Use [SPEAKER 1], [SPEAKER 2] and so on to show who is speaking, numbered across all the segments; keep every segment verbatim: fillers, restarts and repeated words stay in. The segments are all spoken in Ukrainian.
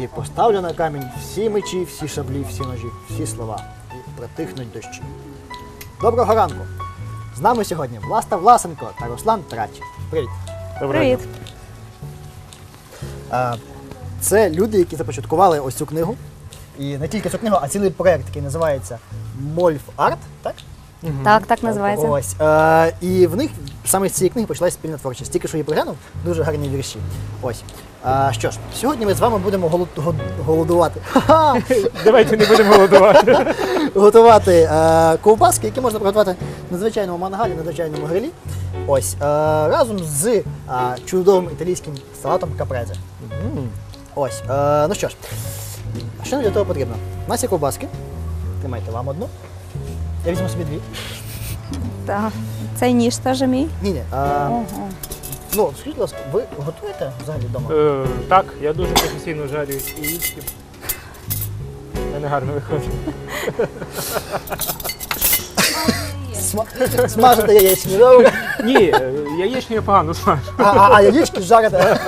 [SPEAKER 1] поставлю на камінь всі мечі, всі шаблі, всі ножі, всі слова. І притихнуть дощі. Доброго ранку! З нами сьогодні Власта Власенко та Руслан Трач. Привіт!
[SPEAKER 2] Привіт.
[SPEAKER 1] А, Це люди, які започаткували ось цю книгу. І не тільки цю книгу, а цілий проєкт, який називається Мольф Арт, так?
[SPEAKER 2] Так, так називається.
[SPEAKER 1] Ось. Е, і в них саме з цієї книги почалася спільна творчість. Тільки що її приглянув, дуже гарні вірші. Ось. Е, що ж, сьогодні ми з вами будемо голод... гол- голодувати. Ха-ха!
[SPEAKER 3] Давайте не будемо голодувати.
[SPEAKER 1] Готувати е, ковбаски, які можна приготувати на звичайному мангалі, на звичайному грилі. Ось. Е, разом з е, чудовим італійським салатом капрезе. Ось. Е, ну що ж, що нам для того потрібно? У нас є ковбаски. Тримайте вам одну. Я візьму собі дві.
[SPEAKER 2] Так. Цей ніж теж мій.
[SPEAKER 1] Ні, ні.
[SPEAKER 2] Ого.
[SPEAKER 1] Ну, скажіть, будь ласка, ви готуєте взагалі вдома?
[SPEAKER 3] Е, так, я дуже професійно жарю яєчки. У мене гарно виходить.
[SPEAKER 1] Сма- Смажете яєчні, добре?
[SPEAKER 3] Ні, е, яєчню я погано смажу.
[SPEAKER 1] А, а, а яєчки жарите.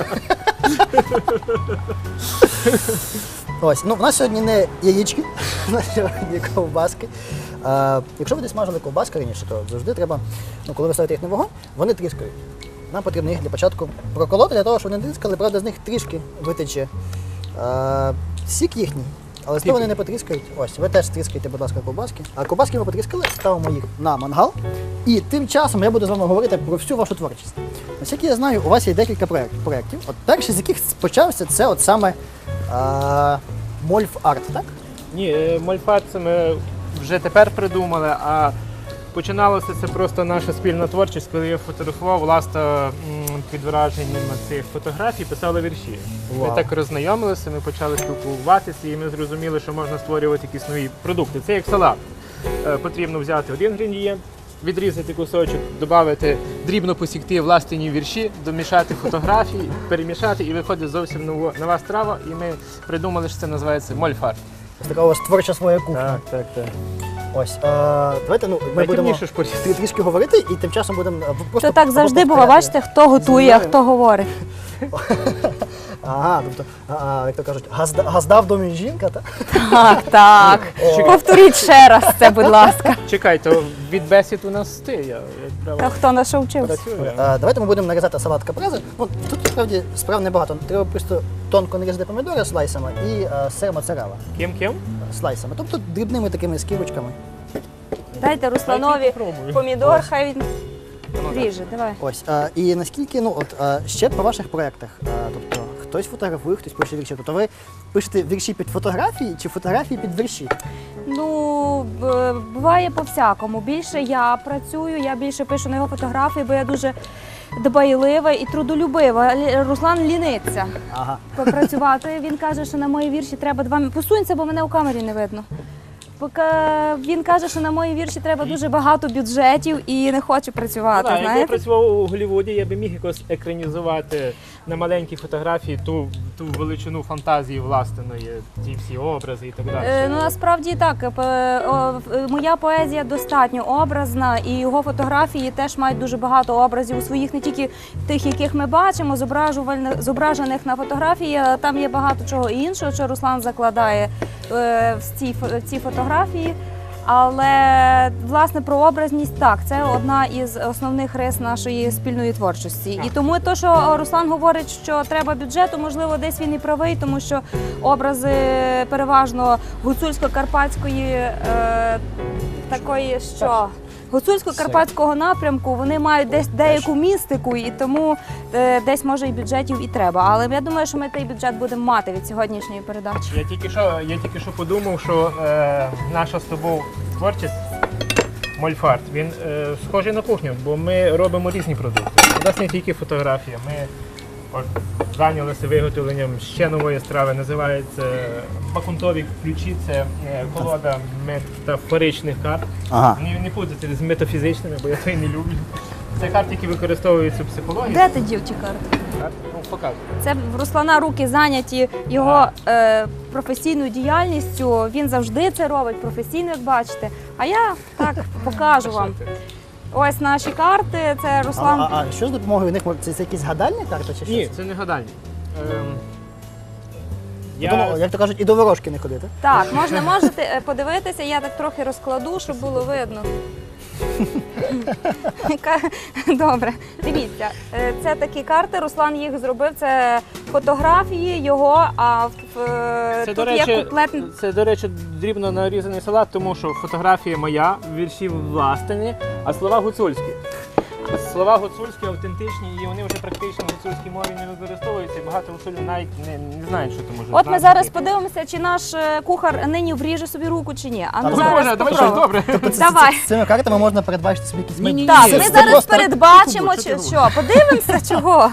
[SPEAKER 1] Ось, ну в нас сьогодні не яєчки, у нас сьогодні ковбаски. А, якщо ви десь смажили ковбаски раніше, то завжди треба, ну коли ви ставите їх на вогонь, вони тріскають. Нам потрібно їх для початку проколоти, для того, щоб вони тріскали, правда, з них трішки витече а, сік їхній. Але з того вони не потріскають. Ось, ви теж тріскайте, будь ласка, ковбаски. А ковбаски ми потріскали, ставимо їх на мангал. І тим часом я буду з вами говорити про всю вашу творчість. Ось як я знаю, у вас є декілька проєкт- проєктів. От перший з яких почався, це от саме а, Мольф Арт, так?
[SPEAKER 3] Ні, е, мольфарт це ми вже тепер придумали, а починалося це просто наша спільна творчість, коли я фотографував, Власта м, під враженням цих фотографій писала вірші.
[SPEAKER 1] Вау.
[SPEAKER 3] Ми так роззнайомилися, ми почали спілкуватися і ми зрозуміли, що можна створювати якісь нові продукти. Це як салат. Е, Потрібно взяти один інгредієнт, відрізати кусочок, додати, дрібно посікти власні вірші, домішати фотографії, перемішати і виходить зовсім нова, нова страва. І ми придумали, що це називається мольфарт.
[SPEAKER 1] Ось така у вас творча своя кухня.
[SPEAKER 3] так, так.
[SPEAKER 1] Ось. А, давайте ну, ми будемо
[SPEAKER 3] Найtemніше ж порізати.
[SPEAKER 1] трі- трішки говорити і тим часом будемо а, просто.
[SPEAKER 2] То так завжди було,
[SPEAKER 1] повторяти.
[SPEAKER 2] бачите, хто готує, а
[SPEAKER 1] Знаю.
[SPEAKER 2] хто говорить.
[SPEAKER 1] Ага, тобто, а, а, як то кажуть, газда, газда в домі жінка, так?
[SPEAKER 2] Так, так. Повторіть ще раз це, будь ласка.
[SPEAKER 3] Чекай, то від бесід у нас ти, я як
[SPEAKER 2] Та
[SPEAKER 3] право
[SPEAKER 2] хто на що вчився?
[SPEAKER 3] працюю.
[SPEAKER 1] А, давайте ми будемо нарізати салат капрезе. Ну, тут насправді справ небагато. Треба просто тонко нарізати помідори слайсами і а, сир моцарелла
[SPEAKER 3] Ким-ким?
[SPEAKER 1] слайсами. Тобто дрібними такими скибочками.
[SPEAKER 2] Дайте Русланові
[SPEAKER 3] Дайте попробую.
[SPEAKER 2] помідор, хай він
[SPEAKER 3] Ну, так.
[SPEAKER 2] ріже. Давай.
[SPEAKER 1] Ось. А, і наскільки, ну, от а, ще по ваших проєктах, а, тобто хтось фотографує, хтось пише вірші. Тобто ви пишете вірші під фотографії чи фотографії під вірші?
[SPEAKER 2] Ну, б- буває по-всякому. Більше я працюю, я більше пишу на його фотографії, бо я дуже дбайлива і трудолюбива. Лі- Руслан ліниться
[SPEAKER 1] Ага.
[SPEAKER 2] попрацювати. Він каже, що на мої вірші треба два... Посунься, бо мене у камері не видно. Поки він каже, що на мої вірші треба дуже багато бюджетів і не хоче працювати.
[SPEAKER 3] Ну, так, якби я
[SPEAKER 2] знаєте?
[SPEAKER 3] працював у Голлівуді, я би міг якось екранізувати на маленькій фотографії ту, ту величину фантазії власної, ті всі образи і так далі.
[SPEAKER 2] Е, Ну насправді так. Е, о, в- моя поезія достатньо образна, і його фотографії теж мають дуже багато образів у своїх, не тільки тих, яких ми бачимо, зображувальних зображених на фотографії. а Там є багато чого іншого, що Руслан закладає е, в ці фо- в ці фотографії. Але власне про образність так, це одна із основних рис нашої спільної творчості. І тому те, що Руслан говорить, що треба бюджету, можливо, десь він і правий, тому що образи переважно гуцульсько-карпатської е, такої, що гуцульсько-карпатського напрямку, вони мають десь деяку містику, і тому е, десь може і бюджетів і треба. Але я думаю, що ми той бюджет будемо мати від сьогоднішньої передачі.
[SPEAKER 3] Я тільки що, я тільки що подумав, що е, наша з тобою творчість Мольфарт, він е, схожий на кухню, бо ми робимо різні продукти. У нас не тільки фотографія, ми от, зайнялися виготовленням ще нової страви, називається бакунтові ключі, це е, колода метафоричних карт.
[SPEAKER 1] Ага.
[SPEAKER 3] Не, не путати з метафізичними, бо я це і не люблю. Це карти, які використовують цю психологію.
[SPEAKER 2] Де ти дів ті карти?
[SPEAKER 3] Карти? Ну, показуй.
[SPEAKER 2] Це в Руслана руки зайняті його е, професійною діяльністю. Він завжди це робить професійно, як бачите. А я так покажу вам.
[SPEAKER 3] Що ти?
[SPEAKER 2] Ось наші карти. Це
[SPEAKER 1] А,
[SPEAKER 2] Руслан.
[SPEAKER 1] а, а що з допомогою них? Це, це якісь гадальні карти чи що?
[SPEAKER 3] Ні, це не гадальні. Ем, Я-
[SPEAKER 1] Тому, як то кажуть, і до ворожки не ходити.
[SPEAKER 2] Так, можна можете е, подивитися, я так трохи розкладу, щоб було видно. Яка- Добре, дивіться, е, це такі карти. Руслан їх зробив. Це фотографії його. А в, в
[SPEAKER 3] Це,
[SPEAKER 2] тут
[SPEAKER 3] до
[SPEAKER 2] є
[SPEAKER 3] речі,
[SPEAKER 2] куплет.
[SPEAKER 3] це, до речі, дрібно нарізаний салат, тому що фотографія моя, вірші власні, а слова гуцульські. Слова гуцульські, автентичні, і вони вже практично в гуцульській мові не використовуються, і багато гуцулів навіть не, не знають, що це може
[SPEAKER 2] От ми
[SPEAKER 3] значити.
[SPEAKER 2] зараз подивимося, чи наш е, кухар нині вріже собі руку чи ні. А ну
[SPEAKER 1] Ну,
[SPEAKER 2] зараз
[SPEAKER 3] Можна, давай щось
[SPEAKER 2] попробуємо.
[SPEAKER 3] добре.
[SPEAKER 2] Давай.
[SPEAKER 1] З цими картами можна передбачити собі якісь
[SPEAKER 3] Ні-ні-ні.
[SPEAKER 2] Так,
[SPEAKER 3] Це-
[SPEAKER 2] ми
[SPEAKER 3] це
[SPEAKER 2] зараз
[SPEAKER 1] просто-
[SPEAKER 2] передбачимо,
[SPEAKER 3] Що
[SPEAKER 2] чи
[SPEAKER 3] ти
[SPEAKER 2] що. Подивимося, чого.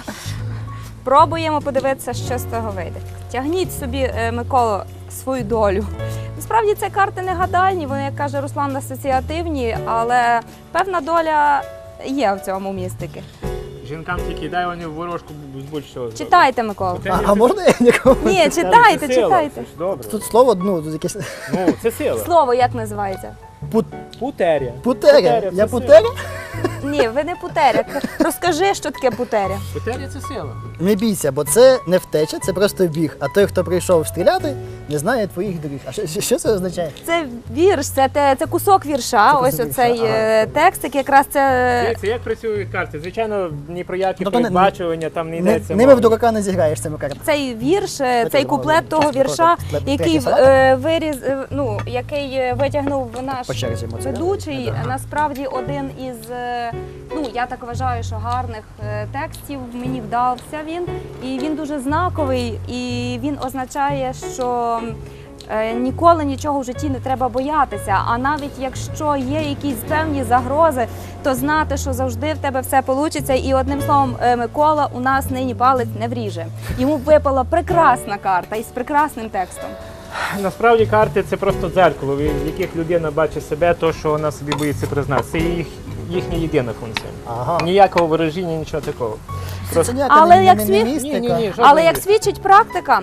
[SPEAKER 2] Пробуємо подивитися, що з того вийде. Тягніть собі, е, Миколо, свою долю. Насправді це карти не гадальні, вони, як каже Руслан, асоціативні, але певна доля є в цьому містики.
[SPEAKER 3] Жінкам тільки дай вони в ворожку з будь-чого. зроблять.
[SPEAKER 2] Читайте, Микола.
[SPEAKER 3] Це
[SPEAKER 1] А,
[SPEAKER 3] не-
[SPEAKER 1] а можна я нікого?
[SPEAKER 2] Ні,
[SPEAKER 3] це
[SPEAKER 2] читайте,
[SPEAKER 3] сила,
[SPEAKER 2] читайте.
[SPEAKER 3] це ж Добре.
[SPEAKER 1] Тут слово, ну, тут якесь
[SPEAKER 3] Ну, це сила.
[SPEAKER 2] Слово як називається?
[SPEAKER 1] пут...
[SPEAKER 3] Путеря.
[SPEAKER 1] путеря.
[SPEAKER 3] Путеря,
[SPEAKER 1] Я
[SPEAKER 3] це
[SPEAKER 1] путеря?
[SPEAKER 2] Ні, ви не путеря. Розкажи, що таке путеря.
[SPEAKER 3] Путеря це сила.
[SPEAKER 1] Не бійся, бо це не втеча, це просто біг. А той, хто прийшов стріляти, не знає твоїх доріг. А що, що- що це означає?
[SPEAKER 2] Це вірш, це, те- це кусок вірша.
[SPEAKER 1] Це
[SPEAKER 2] Ось
[SPEAKER 1] кусок
[SPEAKER 2] оцей
[SPEAKER 1] вірша, ага.
[SPEAKER 2] е, текстик, якраз це.
[SPEAKER 3] Дивіться, як працюють карти? Звичайно, ні про які
[SPEAKER 1] Тобто не-
[SPEAKER 3] передбачування там не
[SPEAKER 1] Не,
[SPEAKER 3] йдеться.
[SPEAKER 1] ними
[SPEAKER 3] мова.
[SPEAKER 1] в дурака не зіграєш цими картами.
[SPEAKER 2] Цей вірш, е,
[SPEAKER 1] Давайте
[SPEAKER 2] цей
[SPEAKER 1] зробимо
[SPEAKER 2] куплет того
[SPEAKER 1] часто
[SPEAKER 2] вірша,
[SPEAKER 1] куплет
[SPEAKER 2] який
[SPEAKER 1] третій салат.
[SPEAKER 2] е, виріз, е, ну, який е, витягнув наш
[SPEAKER 1] По черзі моцарелла.
[SPEAKER 2] ведучий,
[SPEAKER 1] Ага.
[SPEAKER 2] насправді один із, е, ну я так вважаю, що гарних е, текстів мені вдався він, і він дуже знаковий, і він означає, що е, ніколи нічого в житті не треба боятися. А навіть якщо є якісь певні загрози, то знати, що завжди в тебе все вийде. І одним словом, е, Микола у нас нині палець не вріже. Йому випала прекрасна карта із прекрасним текстом.
[SPEAKER 3] Насправді карти це просто дзеркало, в яких людина бачить себе, то, що вона собі боїться признати. Це їх, їхня єдина функція.
[SPEAKER 1] Ага.
[SPEAKER 3] Ніякого ворожіння, нічого такого.
[SPEAKER 1] Це
[SPEAKER 3] Просто...
[SPEAKER 1] ніяка
[SPEAKER 2] Але
[SPEAKER 1] не,
[SPEAKER 2] як
[SPEAKER 1] не,
[SPEAKER 2] світ-
[SPEAKER 1] не містика.
[SPEAKER 3] Ні, ні, ні,
[SPEAKER 2] Але як свідчить практика,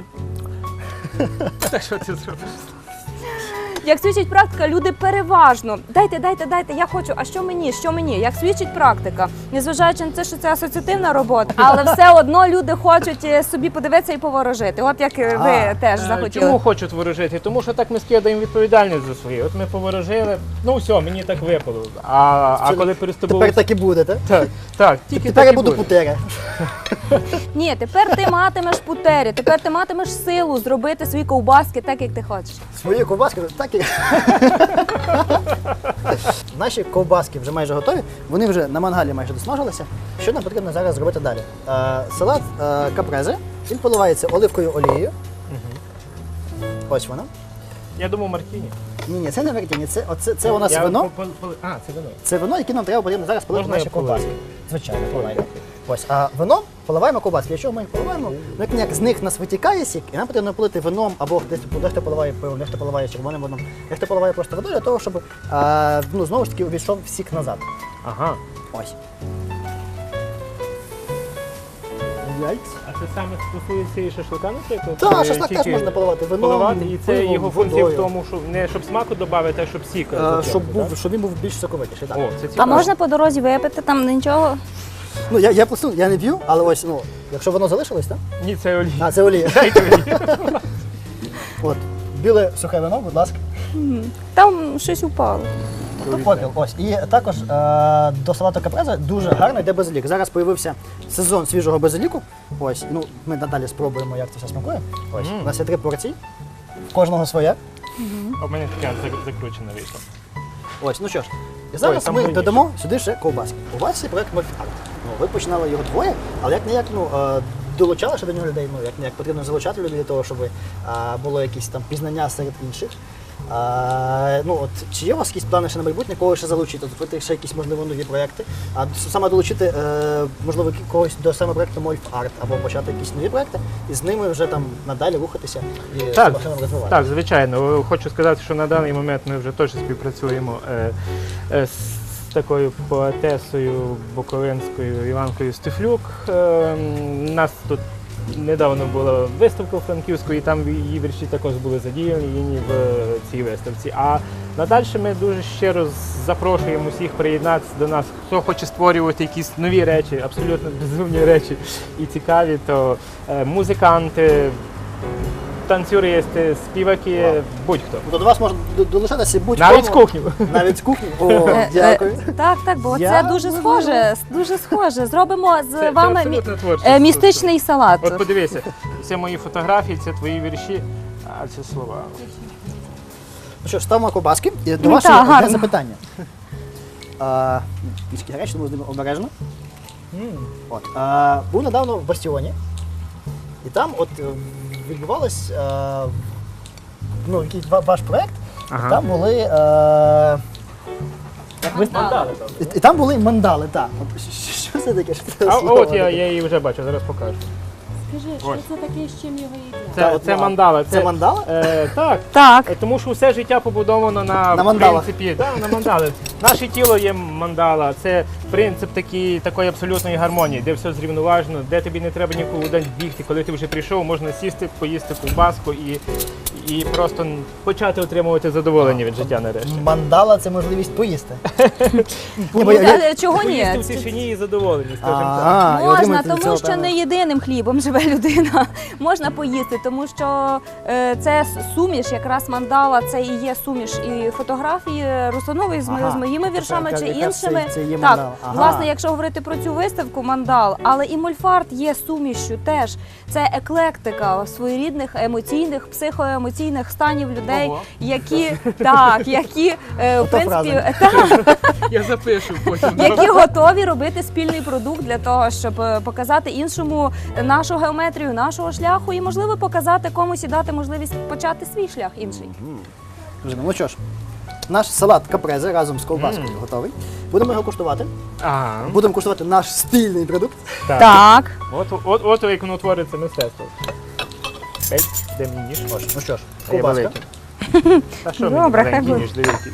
[SPEAKER 3] Так що ти зробиш?
[SPEAKER 2] як свідчить практика, люди переважно дайте, дайте, дайте, я хочу, а що мені, що мені? Як свідчить практика, незважаючи на те, що це асоціативна робота, але все одно люди хочуть е, собі подивитися і поворожити. От як е, ви
[SPEAKER 1] А,
[SPEAKER 2] теж
[SPEAKER 3] Е,
[SPEAKER 2] захотіли.
[SPEAKER 3] Чому хочуть ворожити? Тому що так ми скидаємо відповідальність за своє. От ми поворожили, ну все, мені так випало. А, а
[SPEAKER 1] Це
[SPEAKER 3] коли переступили...
[SPEAKER 1] Тепер так і буде, так?
[SPEAKER 3] Так, так, тільки
[SPEAKER 1] Тепер
[SPEAKER 3] так
[SPEAKER 1] я
[SPEAKER 3] і
[SPEAKER 1] буду
[SPEAKER 3] буде.
[SPEAKER 1] путеря.
[SPEAKER 2] Ні, тепер ти матимеш путері, тепер ти матимеш силу зробити свої ковбаски так, як ти хочеш.
[SPEAKER 1] Свої ковбаски, так і. Наші ковбаски вже майже готові, вони вже на мангалі майже досмажилися. Що нам потрібно зараз зробити далі? Е, салат е, капрезе, він поливається оливковою олією. Ось воно.
[SPEAKER 3] Я думав Мартіні.
[SPEAKER 1] Ні, ні, це не мартіні, це, оце, це у нас
[SPEAKER 3] Я
[SPEAKER 1] вино.
[SPEAKER 3] по- по- А, це вино.
[SPEAKER 1] Це вино, яке нам треба потрібно зараз полити
[SPEAKER 3] Можна
[SPEAKER 1] наші
[SPEAKER 3] я полию?
[SPEAKER 1] ковбаски. Звичайно, поливаємо. Ось, а вино поливаємо ковбаски. Якщо ми їх поливаємо, ну як ніяк з них в нас витікає сік, і нам потрібно полити вином, або десь дехто поливає пивом, дехто поливає червоним вином, дехто поливає просто водою для того, щоб а, ну, знову ж таки увійшов сік назад.
[SPEAKER 3] Ага.
[SPEAKER 1] Ось. Яйць.
[SPEAKER 3] А це саме стосується і шашлика, наприклад?
[SPEAKER 1] Так,
[SPEAKER 3] Чи
[SPEAKER 1] шашлик теж
[SPEAKER 3] тільки
[SPEAKER 1] можна поливати вином,
[SPEAKER 3] поливати, і це
[SPEAKER 1] пивом,
[SPEAKER 3] його функція в
[SPEAKER 1] водою.
[SPEAKER 3] тому, що не щоб смаку додати, а щоб сік.
[SPEAKER 1] Е,
[SPEAKER 3] затягнути,
[SPEAKER 1] щоб,
[SPEAKER 3] так?
[SPEAKER 1] був, щоб він був більш соковитіший. Так.
[SPEAKER 3] О, це
[SPEAKER 2] А
[SPEAKER 3] цікаво.
[SPEAKER 2] можна по дорозі випити, там нічого.
[SPEAKER 1] Ну, я, я, просто, я не п'ю, але ось, ну, якщо воно залишилось, так?
[SPEAKER 3] Ні, це олія.
[SPEAKER 1] А, це олія.
[SPEAKER 3] Дайте олію.
[SPEAKER 1] От. Біле сухе вино, будь ласка.
[SPEAKER 2] Там щось упало.
[SPEAKER 1] Попіл. Ось. І також е, до салату капрезе дуже гарно йде базилік. Зараз з'явився сезон свіжого базиліку. Ось. Ну, ми надалі спробуємо, як це все смакує. Ось.
[SPEAKER 3] Мм.
[SPEAKER 1] У нас є три порції. В кожного своя.
[SPEAKER 3] А в мене така зак- закручена вийшла.
[SPEAKER 1] Ось, ну що ж. І зараз
[SPEAKER 3] Ой, там
[SPEAKER 1] ми
[SPEAKER 3] виніше.
[SPEAKER 1] додамо сюди ще ковбаски. У вас є проект Мольфарт. Ну, ви починали його двоє, але як не як ну, е, долучали ще до нього людей, ну як не як потрібно залучати людей для того, щоб е, було якісь там пізнання серед інших. А, ну, от, чи є у вас якісь плани ще на майбутнє, кого ще залучити, зробити ще якісь, можливо, нові проєкти, а с- саме долучити, е, можливо, кі- когось до саме проєкту Мольфарт, або почати якісь нові проєкти, і з ними вже там надалі рухатися і
[SPEAKER 3] Так,
[SPEAKER 1] цю машину розвивати.
[SPEAKER 3] Так, звичайно. Хочу сказати, що на даний момент ми вже теж співпрацюємо е, е, з такою поетесою буковинською Іванкою Стефлюк. Е, У нас тут недавно була виставка у Франківську, і там її вірші також були задіяні в цій виставці. А надалі ми дуже щиро запрошуємо всіх приєднатися до нас. Хто хоче створювати якісь нові речі, абсолютно безумні речі і цікаві, то е, музиканти, танцюристи, співаки,
[SPEAKER 1] Вау.
[SPEAKER 3] будь-хто.
[SPEAKER 1] Тобто до вас можна до- долучатися будь-кому.
[SPEAKER 3] Навіть з кухні.
[SPEAKER 1] Навіть з кухні. О,
[SPEAKER 2] Е,
[SPEAKER 1] дякую.
[SPEAKER 2] е, Так, так, бо
[SPEAKER 1] Я
[SPEAKER 2] це дуже
[SPEAKER 1] не
[SPEAKER 2] схоже. Дуже схоже. Зробимо з
[SPEAKER 3] Це- це
[SPEAKER 2] вами
[SPEAKER 3] абсолютно
[SPEAKER 2] мі-
[SPEAKER 3] творчість.
[SPEAKER 2] е, містичний салат.
[SPEAKER 3] От подивися, це мої фотографії, це твої вірші, а це слова.
[SPEAKER 1] Ну що ж, ставимо ковбаски. І до
[SPEAKER 2] Ну,
[SPEAKER 1] вас
[SPEAKER 2] так,
[SPEAKER 1] є одне
[SPEAKER 2] гарно.
[SPEAKER 1] запитання. А, Трішки гарячі, тому з ними обережно. От, а, був недавно в Бастіоні, і там от е, відбувалось а, ну, якийсь ва- ваш проект,
[SPEAKER 3] Ага.
[SPEAKER 1] і там були. А, як ви-
[SPEAKER 3] Мандали.
[SPEAKER 1] і, і там були мандали, так. От, що- що це таке? Що це
[SPEAKER 3] А
[SPEAKER 1] за слово
[SPEAKER 3] от я,
[SPEAKER 1] таке?
[SPEAKER 3] я її вже бачу, зараз покажу.
[SPEAKER 4] Скажи,
[SPEAKER 3] Ось.
[SPEAKER 4] що це таке, з чим його їдять?
[SPEAKER 3] Це,
[SPEAKER 1] Та,
[SPEAKER 3] це
[SPEAKER 1] от,
[SPEAKER 3] мандала.
[SPEAKER 1] Це мандала?
[SPEAKER 3] Е, так.
[SPEAKER 2] Так.
[SPEAKER 3] Е, Тому що все життя побудовано на,
[SPEAKER 1] На мандалах.
[SPEAKER 3] принципі, да, на мандали. Наше тіло є мандала, це принцип такий, такої абсолютної гармонії, де все зрівноважено, де тобі не треба нікуди бігти. Коли ти вже прийшов, можна сісти, поїсти ковбаску і, і просто почати отримувати задоволення від життя нарешті.
[SPEAKER 1] Мандала це можливість поїсти. Ні, бо
[SPEAKER 2] Ну,
[SPEAKER 1] я- я-
[SPEAKER 2] та- Чого ні?
[SPEAKER 3] Поїсти в тишині і задоволені, скажімо так.
[SPEAKER 1] А, і
[SPEAKER 2] Можна,
[SPEAKER 1] отримати від
[SPEAKER 2] тому
[SPEAKER 1] цього
[SPEAKER 2] що
[SPEAKER 1] певне-
[SPEAKER 2] не єдиним хлібом живе людина. Можна поїсти, тому що е, це с- суміш, якраз мандала, це і є суміш і фотографії Русланової з, мо-
[SPEAKER 1] Ага.
[SPEAKER 2] з моїми віршами
[SPEAKER 1] Яка-
[SPEAKER 2] чи
[SPEAKER 1] яка
[SPEAKER 2] іншими.
[SPEAKER 1] це- це є
[SPEAKER 2] так,
[SPEAKER 1] мандала. Ага.
[SPEAKER 2] власне, якщо говорити про цю виставку мандал, але і мольфарт є сумішю теж. Це еклектика своєрідних емоційних, психоемоційних станів людей,
[SPEAKER 3] Ого.
[SPEAKER 2] які так, які е, в
[SPEAKER 1] Ота
[SPEAKER 2] принципі
[SPEAKER 1] фраза.
[SPEAKER 2] так,
[SPEAKER 3] Я запишу потім.
[SPEAKER 2] які готові робити спільний продукт для того, щоб е, показати іншому нашу геометрію, нашого шляху, і можливо показати комусь і дати можливість почати свій шлях інший.
[SPEAKER 1] Друзі, ну що ж, наш салат капрезе разом з ковбаскою готовий. Будемо його куштувати.
[SPEAKER 3] Ага.
[SPEAKER 1] Будемо куштувати наш спільний продукт.
[SPEAKER 3] Так.
[SPEAKER 2] Так.
[SPEAKER 3] От, от, от як воно твориться мистецтво. Ей, де мій ніж?
[SPEAKER 1] Ось, ну що ж,
[SPEAKER 3] А я
[SPEAKER 1] ковбаска.
[SPEAKER 3] великий. Та що мені
[SPEAKER 2] Добре, хай
[SPEAKER 3] маленький
[SPEAKER 2] буде.
[SPEAKER 3] ніж, дивіться.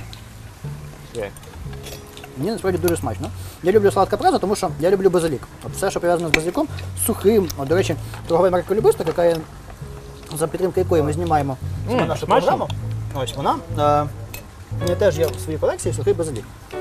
[SPEAKER 3] Все.
[SPEAKER 1] Мені насправді дуже смачно. Я люблю салат капрезе, тому що я люблю базилік. От все, що пов'язано з базиліком, сухим. От, до речі, торгова марка Любисток, яка є, за підтримки якої ми знімаємо саме
[SPEAKER 3] М,
[SPEAKER 1] нашу
[SPEAKER 3] смачно.
[SPEAKER 1] програму. Ось вона. Е, у мене теж є в своїй колекції сухий базилік.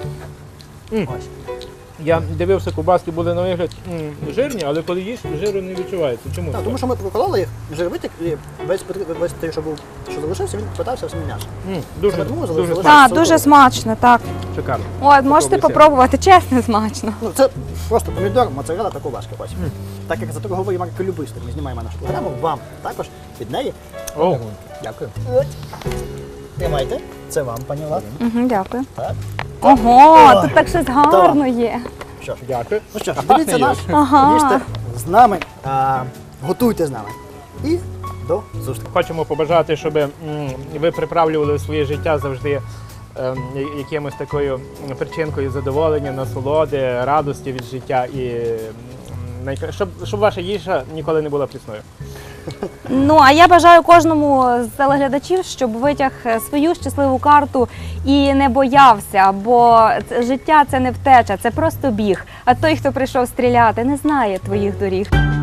[SPEAKER 3] М.
[SPEAKER 1] Ось.
[SPEAKER 3] Я дивився, ковбаски були на вигляд м, жирні, але коли їш, жиру не відчувається. Чому?
[SPEAKER 1] Так,
[SPEAKER 3] це?
[SPEAKER 1] тому що ми прокололи їх, жир витік, і весь, потр- весь той, що був, що залишився, він питався в самі м'ясо.
[SPEAKER 3] М, дуже,
[SPEAKER 1] Саме тому
[SPEAKER 3] дуже
[SPEAKER 1] залишилося.
[SPEAKER 3] смачно.
[SPEAKER 2] Так, дуже смачно, так.
[SPEAKER 3] Шикарно.
[SPEAKER 2] От, можете
[SPEAKER 3] Попробуйте.
[SPEAKER 2] попробувати, чесно, смачно.
[SPEAKER 1] Ну, це просто помідор, моцарелла та ковбаска. Ось. Так як за торгової марки Любисток ми знімаємо нашу програму, вам також від неї.
[SPEAKER 3] О, дякую.
[SPEAKER 1] От. Тримайте. Це вам, пані Влад.
[SPEAKER 2] Угу, дякую.
[SPEAKER 1] Так.
[SPEAKER 2] Ого,
[SPEAKER 1] Ой,
[SPEAKER 2] тут так щось гарно є.
[SPEAKER 1] Що ж,
[SPEAKER 3] Дякую.
[SPEAKER 1] ну що ж,
[SPEAKER 3] А
[SPEAKER 1] дивіться
[SPEAKER 3] пахне
[SPEAKER 1] наш,
[SPEAKER 2] Ага.
[SPEAKER 1] їжте з нами, а, готуйте з нами. І до зустрічі.
[SPEAKER 3] Хочемо побажати, щоб м, ви приправлювали своє життя завжди ем, я- якимось такою причинкою задоволення, насолоди, радості від життя і м, найкра- щоб, щоб ваша їжа ніколи не була прісною.
[SPEAKER 2] Ну, а я бажаю кожному з телеглядачів, щоб витяг свою щасливу карту і не боявся, бо це- життя це не втеча, це просто біг. А той, хто прийшов стріляти, не знає твоїх доріг.